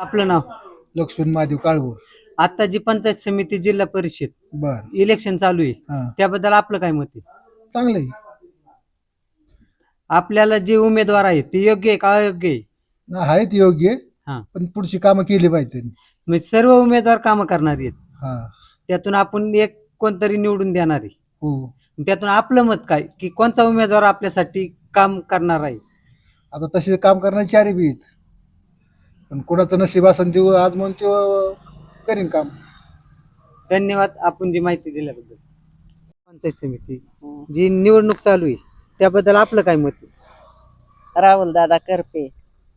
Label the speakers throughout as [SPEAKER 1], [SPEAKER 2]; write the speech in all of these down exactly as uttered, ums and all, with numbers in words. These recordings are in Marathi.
[SPEAKER 1] आपलं नाव?
[SPEAKER 2] लक्ष्मण महादेव काळभोर.
[SPEAKER 1] आता जी पंचायत समिती जिल्हा परिषद
[SPEAKER 2] बर.
[SPEAKER 1] इलेक्शन चालू आहे
[SPEAKER 2] हा.
[SPEAKER 1] त्याबद्दल आपलं काय मत आहे?
[SPEAKER 2] चांगलं आहे.
[SPEAKER 1] आपल्याला जे उमेदवार आहेत ते योग्य आहे का अयोग्य आहे?
[SPEAKER 2] ना आहेत योग्य,
[SPEAKER 1] हा.
[SPEAKER 2] पण पुढची कामं केली पाहिजे.
[SPEAKER 1] म्हणजे सर्व उमेदवार कामं करणार आहेत,
[SPEAKER 2] हा.
[SPEAKER 1] त्यातून आपण एक कोणतरी निवडून देणार आहे.
[SPEAKER 2] हो.
[SPEAKER 1] त्यातून आपलं मत काय की कोणता उमेदवार आपल्यासाठी काम करणार आहे?
[SPEAKER 2] आता तसे काम करणारे चारी बी आहेत, पण कोणाचं नशीब असेल ते आज म्हणून तो करीन काम.
[SPEAKER 1] धन्यवाद आपण जी माहिती दिल्याबद्दल. पंचायत समिती जी निवडणूक चालू आहे त्याबद्दल आपलं काय मत आहे?
[SPEAKER 3] राहुल दादा करपे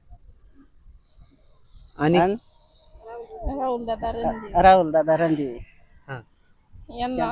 [SPEAKER 1] आणि
[SPEAKER 4] राहुल दादा रणदिवे
[SPEAKER 3] राहुल दादा रणदिवे
[SPEAKER 1] हा.
[SPEAKER 4] यांना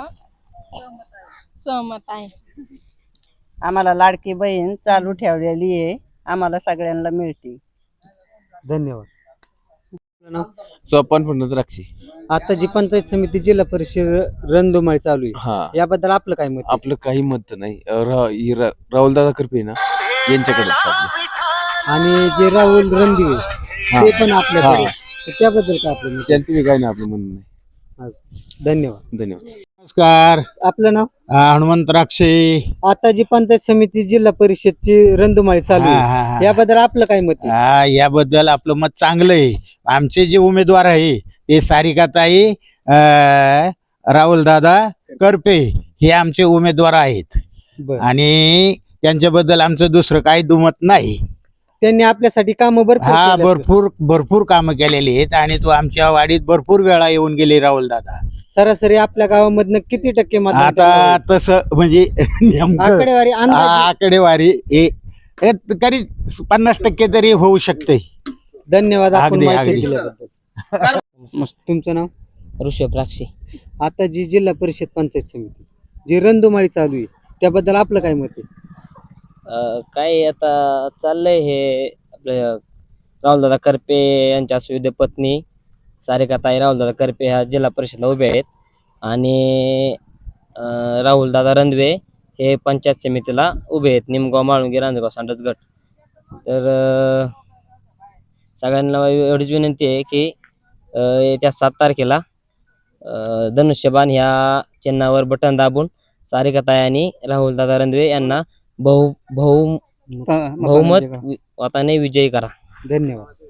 [SPEAKER 4] सहमत आहे.
[SPEAKER 3] आम्हाला लाडकी बहीण चालू ठेवलेली आहे, आम्हाला सगळ्यांना मिळते.
[SPEAKER 1] धन्यवाद. आपलं नाव?
[SPEAKER 5] सोपान फंड द्राक्षी.
[SPEAKER 1] आता जी पंचायत समिती जिल्हा परिषद रणधुमाळी चालू आहे
[SPEAKER 5] हा,
[SPEAKER 1] याबद्दल आपलं काय मत आहे?
[SPEAKER 5] आपलं काही मत नाही. राहुल दादा करपे ना यांच्याकडे
[SPEAKER 1] आणि जे राहुल रणदिवे
[SPEAKER 5] हा.
[SPEAKER 1] ते पण आपल्याकडे
[SPEAKER 5] हा.
[SPEAKER 1] तर त्याबद्दल काय आपलं मत आहे?
[SPEAKER 5] त्यांचं बी काही नाही आपलं म्हणणं नाही.
[SPEAKER 1] हा. धन्यवाद.
[SPEAKER 5] धन्यवाद.
[SPEAKER 6] नमस्कार.
[SPEAKER 1] आपलं नाव?
[SPEAKER 6] हा, हनुमंत राक्षे.
[SPEAKER 1] आता जी पंचायत समिती जिल्हा परिषदची रणधुमाळी चालू
[SPEAKER 6] हा,
[SPEAKER 1] आहे
[SPEAKER 6] हा, हा.
[SPEAKER 1] याबद्दल आपलं काय मत आहे?
[SPEAKER 6] हा, याबद्दल आपलं मत चांगलं आहे. आमचे जे उमेदवार आहे ते सारिकाताई राहुल दादा करपे हे आमचे उमेदवार आहेत
[SPEAKER 1] बरं.
[SPEAKER 6] आणि त्यांच्याबद्दल आमचं दुसरं काही दुमत नाही.
[SPEAKER 1] त्यांनी आपल्यासाठी काम भरपूर
[SPEAKER 6] हा,
[SPEAKER 1] केलेत.
[SPEAKER 6] भरपूर भरपूर कामं केलेली आहेत आणि तो आमच्या वाडीत भरपूर वेळा येऊन गेले राहुल दादा.
[SPEAKER 1] सरासरी आपल्या गावामधनं किती टक्के मतदान
[SPEAKER 6] आता
[SPEAKER 1] केलं?
[SPEAKER 6] तसं म्हणजे नेमकं
[SPEAKER 1] आकडेवारी अंदाजे?
[SPEAKER 6] आ- आकडेवारी हे हे तरी पन्नास टक्के तरी होऊ शकते.
[SPEAKER 1] धन्यवाद आपण
[SPEAKER 6] अगदी,
[SPEAKER 1] माहिती
[SPEAKER 6] अगदी.
[SPEAKER 1] दिल्याबद्दल. तुमचं नाव?
[SPEAKER 3] ऋषभ राक्षे.
[SPEAKER 1] आता जी जिल्हा परिषद पंचायत समिती जी रणधुमाळी चालू आहे त्याबद्दल आपलं काय मत आहे?
[SPEAKER 7] काय आता चाललंय हे आपले राहुलदादा करपे यांच्या सुविधे पत्नी सारिकाताई राहुलदादा करपे ह्या जिल्हा परिषदला उभे आहेत आणि अं, राहुलदादा रंधवे हे पंचायत समितीला उभे आहेत, निमगाव माळुंगी रांजगाव सांडस गट. तर अं, सगळ्यांना एवढीच विनंती आहे की अं, येत्या सात तारखेला अं, धनुष्यबाण ह्या चिन्हावर बटन दाबून सारिकाताई आणि राहुलदादा रंधवे यांना बहु बहु बहुमत
[SPEAKER 1] मतांचे का?
[SPEAKER 7] मताने विजयी करा.
[SPEAKER 1] धन्यवाद.